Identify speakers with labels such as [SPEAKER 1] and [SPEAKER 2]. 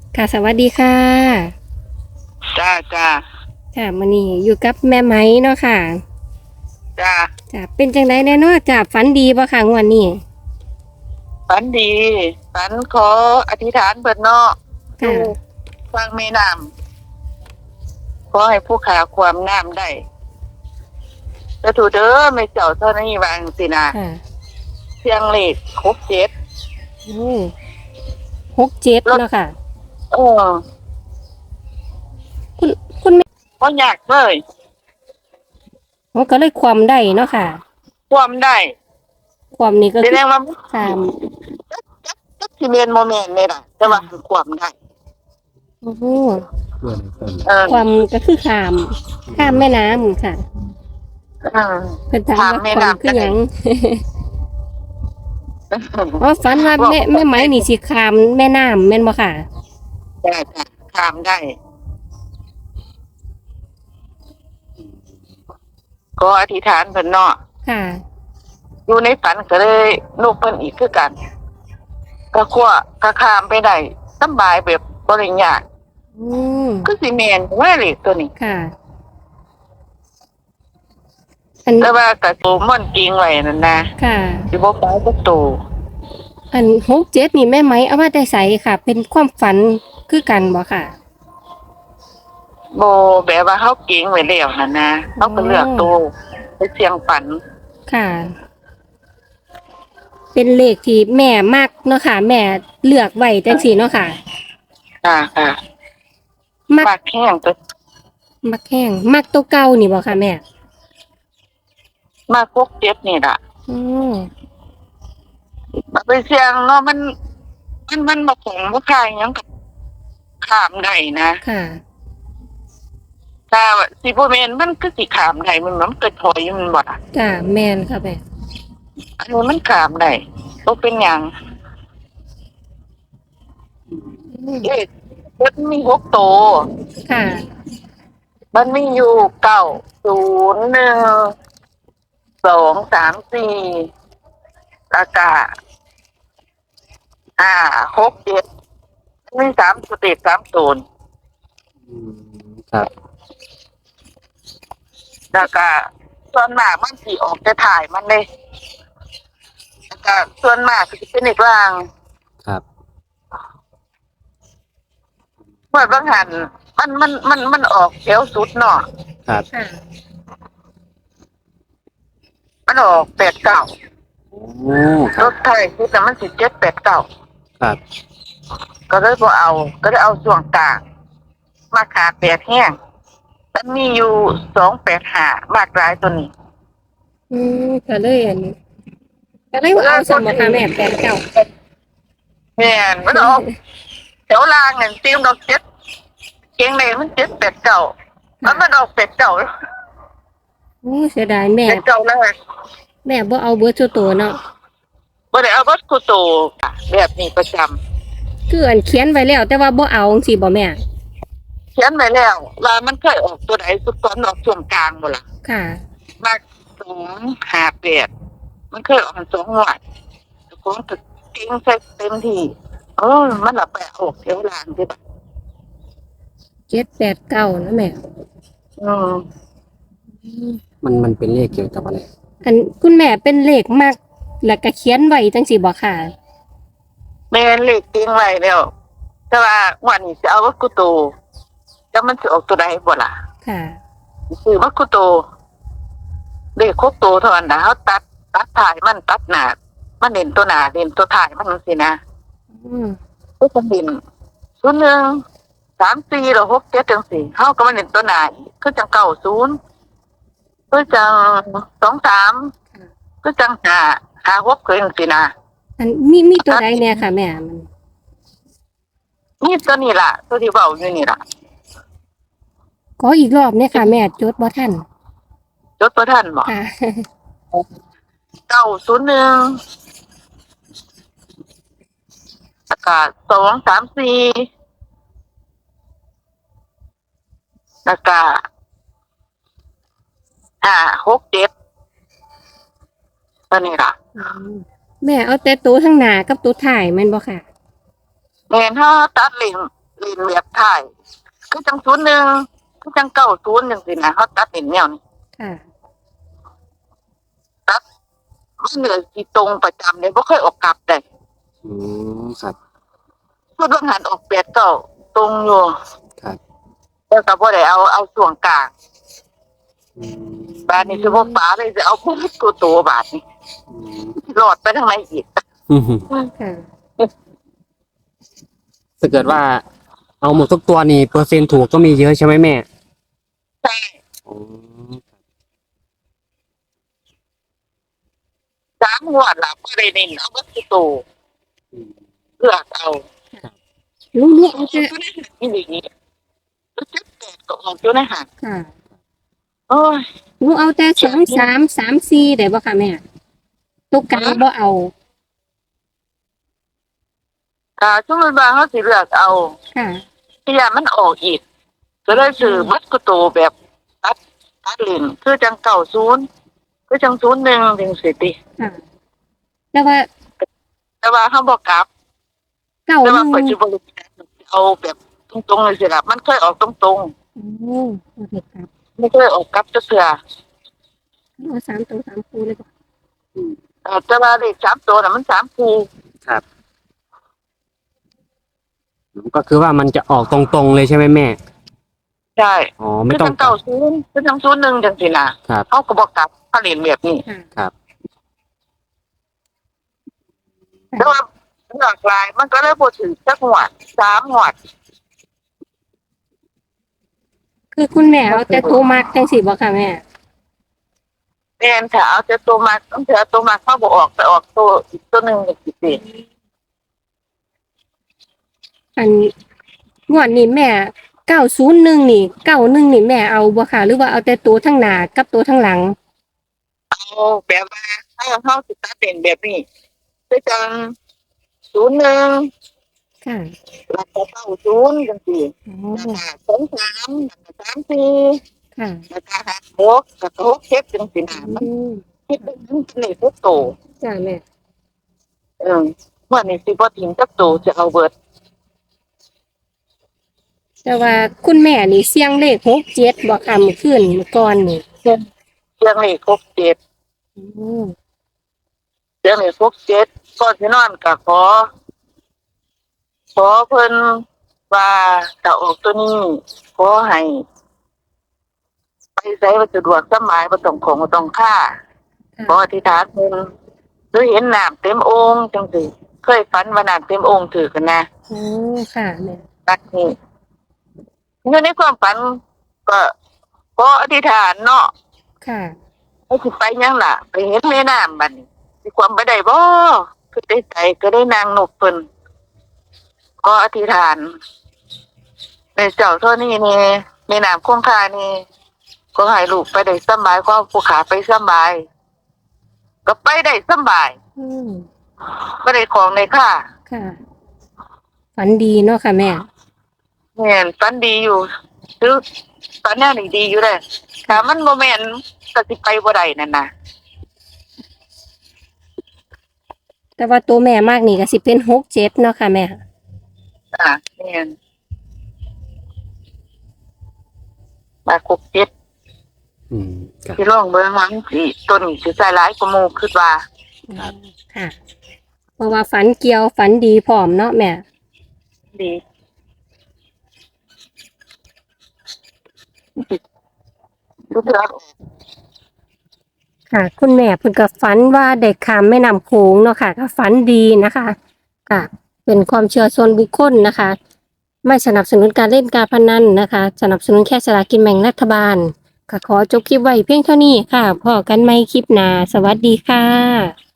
[SPEAKER 1] ค่ะสวัสดีค่ะ
[SPEAKER 2] จ้าจ้า
[SPEAKER 1] ค่ะมื้อนี้อยู่กับแม่ไหมเนาะค่ะ
[SPEAKER 2] จ้า
[SPEAKER 1] จ้ะเป็นจังไดแน่เนาะจ้ะฝันดีบ่ค่ะงวดนี้
[SPEAKER 2] ฝันดีฝันขออธิษฐานเปิดเนาะอยู่
[SPEAKER 1] ค่ะ
[SPEAKER 2] ฟังแม่น้ำขอให้ผู้ขาความน้ำได้แล้วถูเด้อไม่เจ้าเท่านี้วางสินะ
[SPEAKER 1] ค่ะ
[SPEAKER 2] เสียงเลขครบเจ็ด
[SPEAKER 1] โอ้67
[SPEAKER 2] รถ
[SPEAKER 1] เนาะค่ะ
[SPEAKER 2] เออ
[SPEAKER 1] คุณคุณแม่
[SPEAKER 2] ก็อยากเลย
[SPEAKER 1] มันก็เลยความได้เนาะค่ะ
[SPEAKER 2] ความได้
[SPEAKER 1] ความนี้ก็
[SPEAKER 2] แส
[SPEAKER 1] คือ
[SPEAKER 2] ดงว่า
[SPEAKER 1] 3
[SPEAKER 2] จักสิเมนโมเมนต์เลยล่ะแต่ว่าคือความได้
[SPEAKER 1] โอ้โห
[SPEAKER 2] เออ
[SPEAKER 1] ความก็คือข้ามแม่น้ำค่ะ
[SPEAKER 2] เออ
[SPEAKER 1] เพิ่นถาม
[SPEAKER 2] ถาม
[SPEAKER 1] ว่า
[SPEAKER 2] แม่
[SPEAKER 1] ความคื
[SPEAKER 2] น้ำจะได้
[SPEAKER 1] อหยังอ๋อฝันว่า
[SPEAKER 2] บอก
[SPEAKER 1] แม่ไหมนี่สิข้ามแม่น้ำแม่นบ่ค่ะ
[SPEAKER 2] ได้จ้ะถามได้ก็อธิษฐานเพิ่นเนาะ
[SPEAKER 1] ค่ะ
[SPEAKER 2] อยู่ในฝันก็เลยลูกเพิ่นอีกคือกันก็ขั้วก็ข้ามไปได้สำบายแบบบ่ได้ยาก
[SPEAKER 1] อืม
[SPEAKER 2] คือสิแม่นว่าเลขตัวนี้
[SPEAKER 1] ค่ะอัน
[SPEAKER 2] แต่ว่าก็โตม่อนจริงไว้นั่นนะ
[SPEAKER 1] ค่ะ
[SPEAKER 2] สิบ่ฟ้าก็โต
[SPEAKER 1] อัน67นี่แม่ไหมเอามาแต่ไสค่ะ เป็นความฝันคือกันบ่ค่ะ
[SPEAKER 2] บ่แบบว่าเฮาเก่งไว้แล้วนั่นนะเฮาก็เลือกโตไปเสี่ยงฝัน
[SPEAKER 1] ค่ะ เป็นเลขที่แม่มักเนาะค่ะ แม่เลือกไว้จังซี่เนาะค่ะ
[SPEAKER 2] ค่ะ
[SPEAKER 1] มัก
[SPEAKER 2] มากแห้งตัว
[SPEAKER 1] มักแห้งมักตัวเก่านี่บ่ค่ะแม่
[SPEAKER 2] มากพวกเจ็บนี่ล่ะ
[SPEAKER 1] อือ
[SPEAKER 2] มาไปเสี่ยงเนาะมันบ่ของบ่คายหยังก็ข้ามได้นะ
[SPEAKER 1] ค่ะ
[SPEAKER 2] ถ้าสิบ่แม่นมันคือสิข้ามได้มันเกิดถอยมันบ่ล่ะ
[SPEAKER 1] จ้ะแม่นค่ะแม่
[SPEAKER 2] อันนี้มันขามได้บ่เป็นหยัง
[SPEAKER 1] อืม
[SPEAKER 2] เอ๊ะมันมี6 ตัว
[SPEAKER 1] ค่ะ
[SPEAKER 2] มันมีอยู่9 0 1 2 3 4แล้วก็6 7มี3 สเต็ป 3 โซน
[SPEAKER 3] ครับ
[SPEAKER 2] แล้วก็ส่วนมากมันสิออกแต่ถ่ายมันเลยแล้วก็ส่วนมากสิเป็นอีกล่าง
[SPEAKER 3] ครับ
[SPEAKER 2] เมื่อบางหันมันออกแถวสุดเนาะ
[SPEAKER 3] ครับ
[SPEAKER 1] ค่ะ
[SPEAKER 2] มันออก8 9
[SPEAKER 3] โอ้ค
[SPEAKER 2] ร
[SPEAKER 3] รับ
[SPEAKER 2] ถไทยคือแต่มันสิ7 8 9
[SPEAKER 3] ครับ
[SPEAKER 2] ก็เลยบ่เอาก็เลยเอาช่วงกลางมาขา8แห้งมันมีอยู่285มากหลายตัวนี้
[SPEAKER 1] อืมก็เลยอันนี้ก็เลยว่าเอาสมบ่ค่ะแม่แปดเก้า
[SPEAKER 2] แม่นมันออกแถวล่างนั่นตีมดอก7เก่งเลยมัน7 8 9มันออก8 9
[SPEAKER 1] โอ้เสียดายแม่
[SPEAKER 2] 8 9แล้ว
[SPEAKER 1] แม่บ่เอาเบิดซุตัวเนาะ
[SPEAKER 2] บ่ได้เอาวัดคูโตค่ะแบบนี้ประจำ
[SPEAKER 1] คืออันเขียนไว้แล้วแต่ว่าบ่เอาจังซี่บ่แม่
[SPEAKER 2] เขียนไว้แล้วว่ามันเคยออกตัวไหนสุดตอนออกช่วงกลางบ่ล่ะ
[SPEAKER 1] ค่ะ
[SPEAKER 2] มาก258มันเคยออกกัน2งวดของตึกเก่งใส่เต็มที่มันละไปออกแถวล่างที่บัด
[SPEAKER 1] 7 8 9นะแม่
[SPEAKER 2] อืม
[SPEAKER 3] มันเป็นเลขเกี่ยวกับอะไร
[SPEAKER 1] อันคุณแม่เป็นเลขมากแล้วก็เขียนไว้จังซี่บ่ค่ะ
[SPEAKER 2] แม่นเลขติ้งไว้แล้วแต่ว่างวันนี้จะเอาวัดกุโตแล้วมันจะออกตัวใดบ่ล่ะ
[SPEAKER 1] ค่ะ
[SPEAKER 2] ซื้อวัดกุโตเลขครบโตเท่านั้นนะเขาตัดถ่ายมันตัดหน้ามันเด่นตัวหน้าเด่นตัวถ่ายมันจังซี่นะ
[SPEAKER 1] อืม
[SPEAKER 2] ก็จะเด่น01 34หรือ67จังซี่เฮาก็มาเด่นตัวหน้าอีกคือจัง90คือจัง23คือจัง5 6คือจังซี่นะ
[SPEAKER 1] อันมีตัวใดแน่ค่ะแม่มัน
[SPEAKER 2] นี่ตัวนี้ล่ะตัวที่เว้าอยู่นี่ล่ะ
[SPEAKER 1] ขออีกรอบเนี่ยค่ะแม่จดบ่ทัน
[SPEAKER 2] จดบ่ทันบ่
[SPEAKER 1] ค่ะ
[SPEAKER 2] 901แล้วก็2 3 4แล้วก็5 6 7ตัวนี้ล่ะ
[SPEAKER 1] อืมแม่เอาแต่ตัวข้างหน้ากับตัวท้ายแม่นบ่ค่ะ
[SPEAKER 2] แม่นเฮาตัดเลรียนแบบถ่ายคือจัง01คือจัง90จังซี่นะเขาตัดเป็นแนวนี้
[SPEAKER 1] ค่ะ
[SPEAKER 2] มันเหลือที่ตรงประจำเลยบ่เคยออกกลับได้
[SPEAKER 3] อืมครับ
[SPEAKER 2] พูดว่าหันออก8-9ตรงอยู่
[SPEAKER 3] ครับ
[SPEAKER 2] แล้วก็บ่ได้เอาช่วงกลาง
[SPEAKER 3] อืม
[SPEAKER 2] บาดนี้สิบ่ป๋าเลยสิเอาพวกโตๆบาดนี้
[SPEAKER 3] อืม
[SPEAKER 2] รอดไปทางไหนอีก
[SPEAKER 1] ค่ะ
[SPEAKER 3] ถ้าเกิดว่า เอาหมดทุกตัวนี่เปอร์เซ็นต์ถูกก็มีเยอะใช่ไหมแม่
[SPEAKER 2] ใช่
[SPEAKER 3] อ๋อ
[SPEAKER 2] 3งวดล่ะบ่ได้เน้นเอาวัตถุโต
[SPEAKER 3] อืม
[SPEAKER 2] เลือกเอา
[SPEAKER 1] หนูเอาแต่
[SPEAKER 2] อยู่ในหันนี่นี่รู้จักแปดก็ออกอยู่ในหัน
[SPEAKER 1] ค่ะ
[SPEAKER 2] โอ้ย
[SPEAKER 1] หนูเอาแต่2 3 3 4ได้บ่ค่ะแม่ตัวกลางบ่เอา
[SPEAKER 2] ถ้าสมมุติว่าเฮาสิเลือกเอา
[SPEAKER 1] ค่ะ
[SPEAKER 2] ที่ยามันออกอีกก็เลยซื้อวัตถุโตแบบตัดเล่นคือจัง90คือจัง01จังซี่ติ
[SPEAKER 1] ค่ะแต่ว่า
[SPEAKER 2] แต่ว่าเฮาบ่กลับ
[SPEAKER 1] เก้า
[SPEAKER 2] แต่
[SPEAKER 1] ห
[SPEAKER 2] ว่า
[SPEAKER 1] นึ่ง
[SPEAKER 2] ปัจจุบันเอาแบบตรงๆเลยสิล่ะมันเคยออกตรง
[SPEAKER 1] โอ้โอเคครับ
[SPEAKER 2] ๆไม่เคยออกกลับจักเทื่อ
[SPEAKER 1] เอา3 ตัว 3 คู่เลยบ่
[SPEAKER 2] แต่ว่าเลข3ตัวน่ะมัน3คู่
[SPEAKER 3] ครับ ก็คือว่ามันจะออกตรงๆเลยใช่ไหมแม่
[SPEAKER 2] ใช่
[SPEAKER 3] อ๋อ ไม่
[SPEAKER 2] คือ
[SPEAKER 3] ต้อ
[SPEAKER 2] จั
[SPEAKER 3] ง
[SPEAKER 2] ง90คือจัง01จังซี่น่ะ
[SPEAKER 3] ครับ
[SPEAKER 2] เฮาก็บ่กลับเขาเล่นแบบนี้
[SPEAKER 1] ค่ะ
[SPEAKER 3] ครับ
[SPEAKER 2] แต่ว่าหลากหลายมันก็เลยบ่ถึงจักงวด3งวด
[SPEAKER 1] คือคุณแม่เอาแต่ตัวมักจังซี่บ่ค่ะแม่
[SPEAKER 2] แม่นถ้าเอาแต่ตัวมาต้องเถือตัวมาเข้าบ่ออกไปออกตัวอีกตัวหนึงจังซี่สิ
[SPEAKER 1] อันงวดนี้แม่901นี่91นี่แม่เอาบ่ค่ะหรือว่าเอาแต่ตัวทั้งหน้ากับตัวทั้งหลัง
[SPEAKER 2] เอาแบบว่าถ้าเฮาสิตัดเป็นแบบนี้คือจัง01
[SPEAKER 1] ค่ะ
[SPEAKER 2] แล้วก็90จังซี่
[SPEAKER 1] อ๋อ
[SPEAKER 2] แล้วก็23แล้วก็34
[SPEAKER 1] ค่ะ
[SPEAKER 2] แล้วก็56แล้วก็67จังซี่น่ะมัน
[SPEAKER 1] อืม
[SPEAKER 2] คิดเป็นเลขทุกโต
[SPEAKER 1] จ้าแม่
[SPEAKER 2] วันนี้สิบ่ทิ้งจักโตจะเอาเบิด
[SPEAKER 1] แต่ว่าคุณแม่นี่เสียงเลข67บ่ค่ะเมื่อคืนเมื่อก่อนนี่
[SPEAKER 2] เรื่องเลข67
[SPEAKER 1] อืม
[SPEAKER 2] เรื่องเลข67ก่อนสินอนก็ขอเพิ่นว่าถ้าออกตัวนี้ขอให้ไปไสว่าสะดวกสบายบ่ต้องของบ่ต้องค่าขออธิษฐานเพิ่นหรือเห็นน้ำเต็มโอ่งจังซี่เคยฝันว่าน้ำเต็มโอ่งถือกันนะ
[SPEAKER 1] โอ้ค่ะแม่
[SPEAKER 2] นักนี่อยู่ในความฝันก็ขออธิษฐานเนาะ
[SPEAKER 1] ค่ะ
[SPEAKER 2] ให้สิไปหยังล่ะ ไปเห็นแม่น้ำบัดนี้สิความไปได้บ่คือได้ใจก็ได้นางนกเพิ่นก็อธิษฐานในเจ้าเท่านี้นี่แม่น้ำคงคานี่ก็ให้ลูกไปได้สำบายก็ผู้ขาไปสำบาย ก็ไปได้สำบาย
[SPEAKER 1] อืม
[SPEAKER 2] บ่ได้ของในค่า
[SPEAKER 1] ค่ะ ฝันดีเนาะค่ะแม่
[SPEAKER 2] แม่นฝันดีอยู่คือฝันแนวนี้ดีอยู่เด้ถ้ามันบ่แม่นก็สิไปบ่ได้นั่นน่ะ
[SPEAKER 1] แต่ว่าตัวแม่มากนี่ก็สิเป็น67เนาะค่ะแม่
[SPEAKER 2] แม่นมาครบ7
[SPEAKER 3] อืมครับ
[SPEAKER 2] ที่ร่องเบิ่งมันสิต้นสิใส่หลายกว่าหมู่คิดว่า
[SPEAKER 3] ครับ
[SPEAKER 1] ค่ะ เพราะว่าฝันเกี่ยวฝันดีพร้อมเนาะแม่
[SPEAKER 2] ดีทุกเรื่อง
[SPEAKER 1] ค่ะ คุณแม่เพิ่นก็ฝันว่าได้ข้ามแม่น้ำโขงเนาะค่ะก็ฝันดีนะคะค่ะ เป็นความเชื่อส่วนบุคคลนะคะ ไม่สนับสนุนการเล่นการพนันนะคะ สนับสนุนแค่สลากกินแบ่งรัฐบาลค่ะขอจบคลิปไว้เพียงเท่านี้ค่ะพอกันใหม่คลิปหน้าสวัสดีค่ะ